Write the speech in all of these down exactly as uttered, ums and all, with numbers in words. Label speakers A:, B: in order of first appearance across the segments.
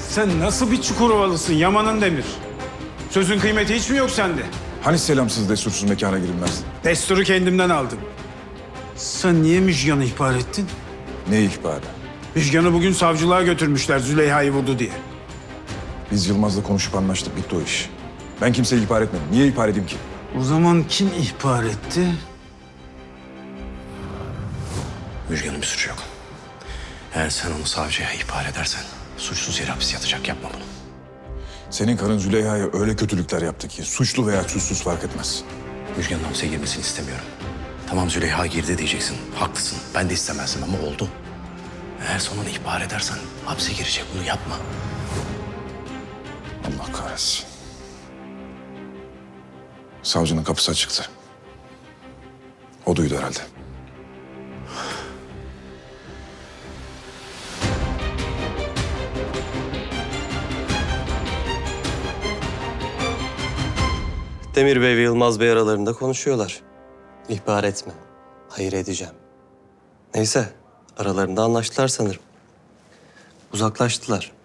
A: Sen nasıl bir Çukurovalısın Yaman'ın Demir? Sözün kıymeti hiç mi yok sende?
B: Hani selamsız destursuz mekana girilmez?
A: Desturu kendimden aldım. Sen niye Müjgan'ı ihbar ettin?
B: Ne ihbarı?
A: Müjgan'ı bugün savcılığa götürmüşler Züleyha'yı vurdu diye.
B: Biz Yılmaz'la konuşup anlaştık, bitti o iş. Ben kimseyi ihbar etmedim. Niye ihbar edeyim ki?
A: O zaman kim ihbar etti?
C: Müjgan'ın bir suçu yok. Eğer sen onu savcıya ihbar edersen suçsuz yere hapis yatacak. Yapma bunu.
B: Senin karın Züleyha'ya öyle kötülükler yaptı ki suçlu veya suçsuz fark etmez.
C: Müjgan'ın hapse girmesini istemiyorum. Tamam Züleyha girdi diyeceksin. Haklısın. Ben de istemezdim ama oldu. Eğer sonra onu ihbar edersen hapse girecek. Bunu yapma.
B: Allah kahretsin. Savcının kapısı açıktı. O duydu herhalde.
D: Demir Bey ve Yılmaz Bey aralarında konuşuyorlar. İhbar etme. Hayır edeceğim. Neyse, aralarında anlaştılar sanırım. Uzaklaştılar.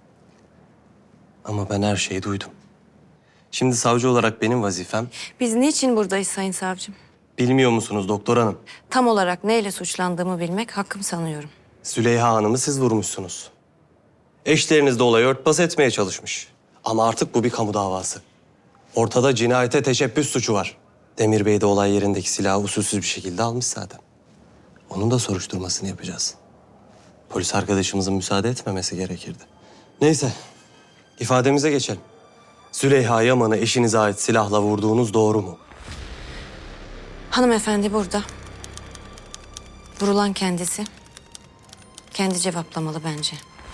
D: Ama ben her şeyi duydum. Şimdi savcı olarak benim vazifem,
E: Biz niçin buradayız Sayın Savcım?
D: bilmiyor musunuz doktor hanım?
E: Tam olarak neyle suçlandığımı bilmek hakkım sanıyorum.
D: Züleyha Hanım'ı siz vurmuşsunuz. Eşleriniz de olayı örtbas etmeye çalışmış. Ama artık bu bir kamu davası. Ortada cinayete teşebbüs suçu var. Demir Bey de olay yerindeki silahı usulsüz bir şekilde almış zaten. Onun da soruşturmasını yapacağız. Polis arkadaşımızın müsaade etmemesi gerekirdi. Neyse, ifademize geçelim. Züleyha Yaman'ı eşinize ait silahla vurduğunuz doğru mu?
E: Hanımefendi burada. Vurulan kendisi. Kendi cevaplamalı bence.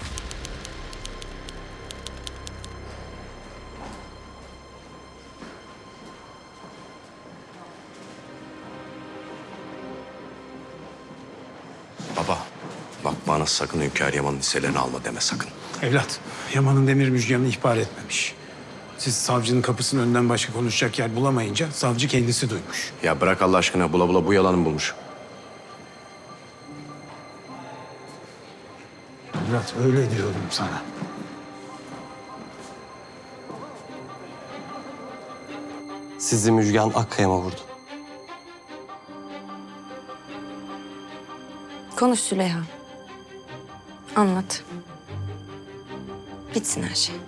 C: Baba, bak bana sakın Hünkâr Yaman'ın hisselerini alma deme sakın.
A: Evlat, Yaman'ın Demir Müjgan'ı ihbar etmemiş. Siz savcının kapısının önünden başka konuşacak yer bulamayınca savcı kendisi duymuş.
C: Ya bırak Allah aşkına, bula bula bu yalanı bulmuş.
A: Evlat öyle diyorum sana.
D: Sizi Müjgan Akkaya'ma vurdu.
E: Konuş Züleyha. Anlat. Bitsin her şey.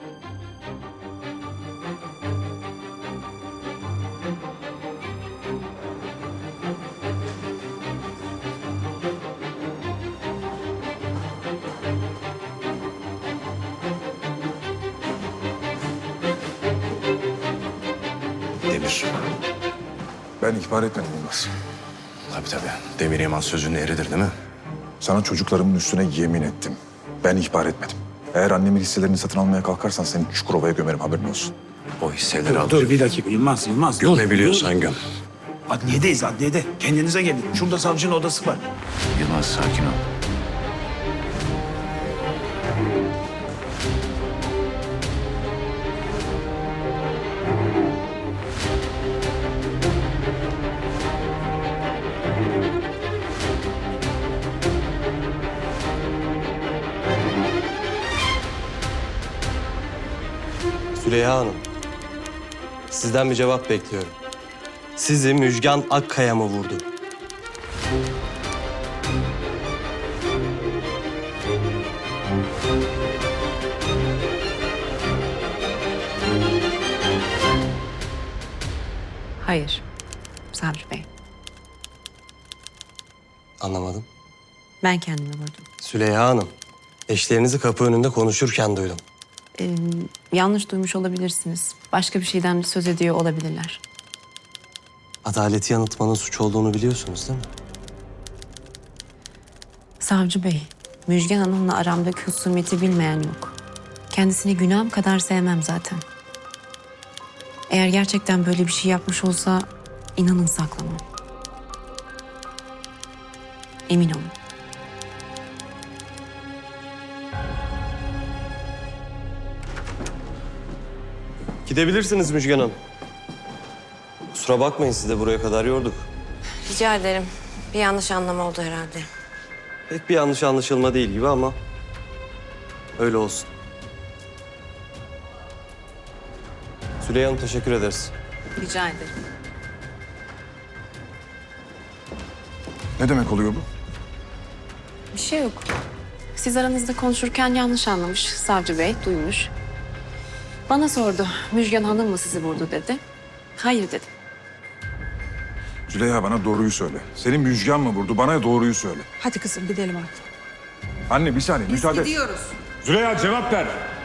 C: Demir.
B: Ben ihbar etmedim Yılmaz.
C: Tabii tabii. Demir Yaman sözünün eridir değil mi?
B: Sana çocuklarımın üstüne yemin ettim. Ben ihbar etmedim. Eğer annemin hisselerini satın almaya kalkarsan seni Çukurova'ya gömerim, haberin olsun.
C: O hisseleri
A: Dur,
C: al.
A: dur bir dakika Yılmaz, Yılmaz.
C: Göm
A: dur,
C: ne biliyorsan
A: dur.
C: göm.
A: Adliyedeyiz, adliyede. Kendinize gelin. Şurada savcının odası var.
C: Yılmaz sakin ol.
D: Züleyha Hanım, sizden bir cevap bekliyorum. Sizi Müjgan Akkaya mı vurdu?
E: Hayır. Savcı Bey.
D: Anlamadım.
E: Ben kendimi vurdum.
D: Züleyha Hanım, eşlerinizi kapı önünde konuşurken duydum.
E: Ee, yanlış duymuş olabilirsiniz. Başka bir şeyden söz ediyor olabilirler.
D: Adaleti yanıltmanın suç olduğunu biliyorsunuz değil mi?
E: Savcı Bey, Müjgan Hanım'la aramdaki husumeti bilmeyen yok. Kendisini günahım kadar sevmem zaten. Eğer gerçekten böyle bir şey yapmış olsa inanın saklamam. Emin olun.
D: Gidebilirsiniz Müjgan Hanım. Kusura bakmayın, sizi de buraya kadar yorduk.
E: Rica ederim. Bir yanlış anlama oldu herhalde.
D: Pek bir yanlış anlaşılma değil gibi ama öyle olsun. Süleyha Hanım teşekkür ederiz.
E: Rica ederim.
B: Ne demek oluyor bu?
E: Bir şey yok. Siz aranızda konuşurken yanlış anlamış. Savcı bey duymuş. Bana sordu. Müjgan Hanım mı sizi vurdu dedi. Hayır dedim.
B: Züleyha bana doğruyu söyle. Senin Müjgan mı vurdu? Bana doğruyu söyle.
F: Hadi kızım gidelim artık.
B: Anne bir saniye müsaade et.
F: Gidiyoruz.
B: Züleyha cevap ver.